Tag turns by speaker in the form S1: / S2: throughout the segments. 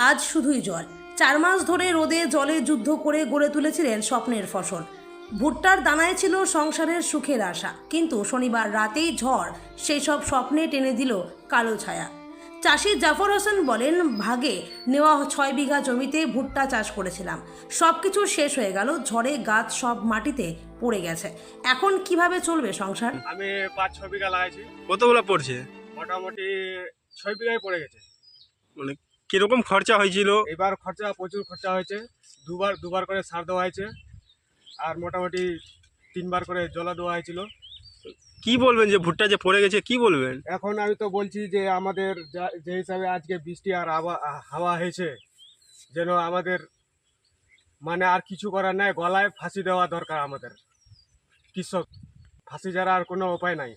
S1: আজ শুধুই জল। 4 মাস ধরে রোদে জলে যুদ্ধ করে গড়ে তুলেছিলেন স্বপ্নের ফসল। ভুট্টার দানায় ছিল সংসারের সুখের আশা, কিন্তু শনিবার রাতেই ঝড় সেই সব স্বপ্নে টেনে দিল কালো ছায়া। চাষি জাফর হোসেন বলেন, ভাগে নেওয়া 6 বিঘা জমিতে ভুট্টা চাষ করেছিলাম, সব কিছু শেষ হয়ে গেল, ঝড়ে গাছ সব মাটিতে পড়ে গেছে। এখন কিভাবে চলবে সংসার?
S2: আমি 5-6 বিঘা লাগাইছি,
S3: কতগুলো পড়ছে?
S2: মোটামুটি 6 বিঘায় পড়ে গেছে।
S3: মানে কিরকম খরচা হয়েছিল?
S2: এবার খরচা প্রচুর খরচা হয়েছে। দুবার করে সার দেওয়া হয়েছে, আর মোটামুটি 3বার করে জলা দেওয়া হয়েছিল।
S3: কি বলবেন যে ভুট্টা যে পড়ে গেছে, কি বলবেন?
S2: এখন আমি তো বলছি যে আমাদের যে হিসাবে আজকে বৃষ্টি আর হাওয়া হয়েছে, যেন আমাদের মানে আর কিছু করার নাই, গলায় ফাঁসি দেওয়া দরকার আমাদের কৃষক। ফাঁসি ছাড়া আর কোনো উপায় নাই।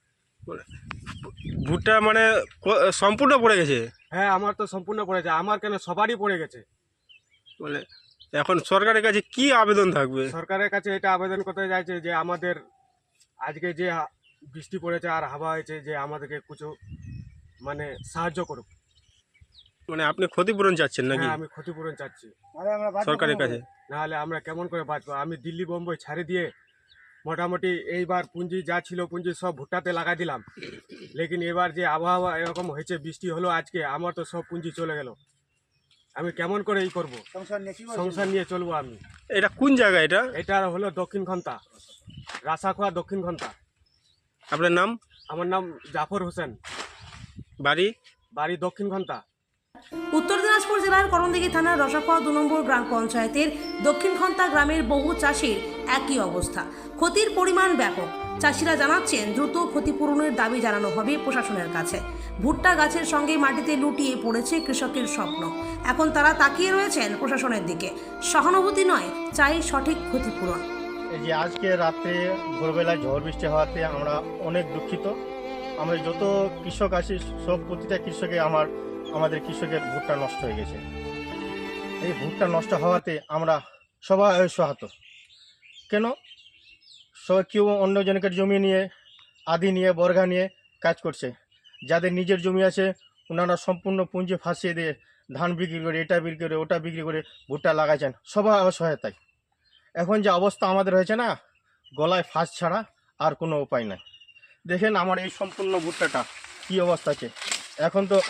S3: ভুট্টা মানে সম্পূর্ণ পড়ে গেছে?
S2: হ্যাঁ, আমার তো সম্পূর্ণ পড়েছে, আমার কেন সবারই পড়ে গেছে।
S3: মানে এখন সরকারের কাছে কি আবেদন থাকবে?
S2: সরকারের কাছে এটা আবেদন করতে চাইছে যে আমাদের আজকে যে বৃষ্টি পড়েছে আর হাওয়া হয়েছে, যে আমাদেরকে কিছু মানে সাহায্য করুক।
S3: মানে আপনি ক্ষতিপূরণ চাচ্ছেন নাকি?
S2: হ্যাঁ, আমি ক্ষতিপূরণ চাচ্ছি
S3: সরকারের কাছে।
S2: নাহলে আমরা কেমন করে বাঁচবো? আমি দিল্লি বোম্বাই ছাড়ে দিয়ে মোটামুটি এইবার পুঁজি যা ছিল পুঁজি সব ভুট্টাতে লাগা দিলাম, লেকিন এবার যে আবহাওয়া এরকম হয়েছে, বৃষ্টি হলো আজকে, আমার তো সব পুঁজি চলে গেল। আমি কেমন করে করবো? সংসার নিয়ে চলবো আমি।
S3: এটা কোন জায়গা এটা?
S2: এটা হলো দক্ষিণ খন্তা, রাসাখোয়া দক্ষিণ খন্তা।
S3: আপনার নাম?
S2: আমার নাম জাফর হোসেন,
S3: বাড়ি?
S2: বাড়ি দক্ষিণ খন্তা।
S1: উত্তর দিনাজপুর জেলার করণদিঘি থানার রসাখোয়া 2 নম্বর গ্রাম পঞ্চায়েতের দক্ষিণ খন্তা গ্রামের বহু চাষির একই অবস্থা। ক্ষতির পরিমাণ ব্যাপক। চাষিরা জানাচ্ছেন, দ্রুত ক্ষতিপূরণের দাবি জানানো হবে প্রশাসনের কাছে। ভুট্টা গাছের সঙ্গে মাটিতে লুটিয়ে পড়েছে কৃষকের স্বপ্ন। এখন তারা তাকিয়ে রয়েছেন প্রশাসনের দিকে। সহানুভূতি নয়, চাই সঠিক ক্ষতিপূরণ।
S4: এই যে আজকে রাত্রে ভোরবেলায় ঝড় বৃষ্টি হওয়াতে আমরা অনেক দুঃখিত। আমরা যত কৃষক আছি, সব প্রতিটা কৃষকে আমাদের কৃষকের ভুট্টা নষ্ট হয়ে গেছে। এই ভুট্টা নষ্ট হওয়াতে আমরা সবাই সহাত। কেন? সবাই কেউ অন্যজনকের জমি নিয়ে, আদি নিয়ে, বর্গা নিয়ে কাজ করছে। যাদের নিজের জমি আছে, ওনারা সম্পূর্ণ পুঁজি ফাঁসিয়ে দিয়ে ধান বিক্রি করে, এটা বিক্রি করে, ওটা বিক্রি করে ভুট্টা লাগাইছেন, সবাই অসহায়তায়। এখন যে অবস্থা আমাদের হয়েছে না, গলায় ফাঁস ছাড়া আর কোনো উপায় নাই। দেখেন আমার এই সম্পূর্ণ ভুট্টাটা কী অবস্থা আছে। এখন তো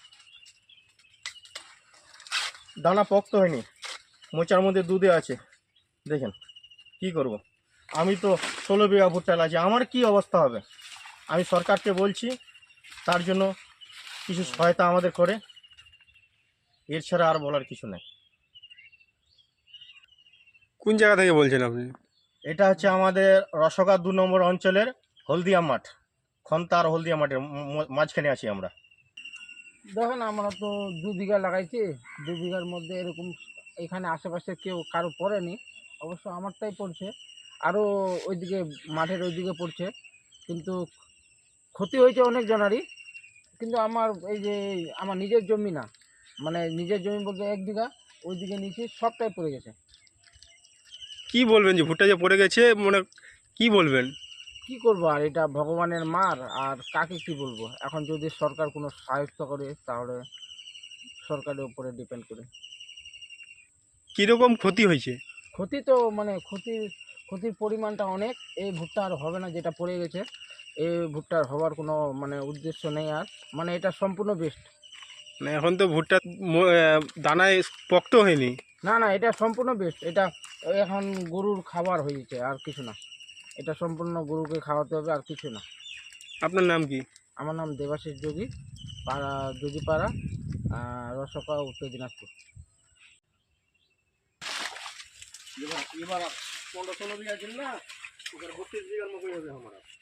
S4: দানা পোক্ত হয়নি, মোচার মধ্যে দুধে আছে। দেখেন কি করব? আমি তো 16 বিঘা ভুট্টা লাগছে, আমার কি অবস্থা হবে? আমি সরকারকে বলছি তার জন্য কিছু সহায়তা আমাদের করে, এর ছাড়া আর বলার কিছু নেই।
S3: কোন জায়গা থেকে বলছেন আপনি?
S4: এটা হচ্ছে আমাদের রসগা 2 নম্বর অঞ্চলের হলদিয়া মাঠ, খন্তা আর হলদিয়া মাঠের মাঝখানে আছি আমরা।
S5: দেখেন, আমরা তো 2 বিঘা লাগাইছি। 2 বিঘার মধ্যে এরকম এখানে আশেপাশে কেউ কারো পড়েনি, অবশ্য আমারটাই পড়ছে, আরও ওইদিকে মাঠের ওইদিকে পড়ছে। কিন্তু ক্ষতি হয়েছে অনেক জনারই। কিন্তু আমার এই যে আমার নিজের জমি না, মানে নিজের জমি বলতে 1 বিঘা, ওইদিকে নিচে সবটাই পড়ে গেছে।
S3: কি বলবেন যে ভুট্টা যে পড়ে গেছে, মানে কি বলবেন?
S5: কি করবো আর, এটা ভগবানের মার, আর কাকে কি বলবো? এখন যদি সরকার কোনো সাহায্য করে তাহলে সরকারের উপরে ডিপেন্ড করে।
S3: কীরকম ক্ষতি হয়েছে?
S5: ক্ষতি তো মানে ক্ষতির পরিমাণটা অনেক। এই ভুট্টা আর হবে না, যেটা পড়ে গেছে। এই ভুট্টার হওয়ার কোনো মানে উদ্দেশ্য নেই আর, মানে এটা সম্পূর্ণ বেস্ট।
S3: মানে এখন তো ভুট্টা দানায় পোক্ত হয়নি।
S5: না না, এটা সম্পূর্ণ বেস্ট। এটা এখন গরুর খাবার হয়েছে, আর কিছু না। এটা সম্পূর্ণ গরুকে খাওয়াতে হবে, আর কিছু না।
S3: আপনার নাম কি?
S5: আমার নাম দেবাশিস যোগী, পাড়া যোগীপাড়া, রসকা, উত্তর দিনাজপুর।
S4: এবার 15-16 বিঘা ছিল না, 32 বিঘার মতোই হবে আমার।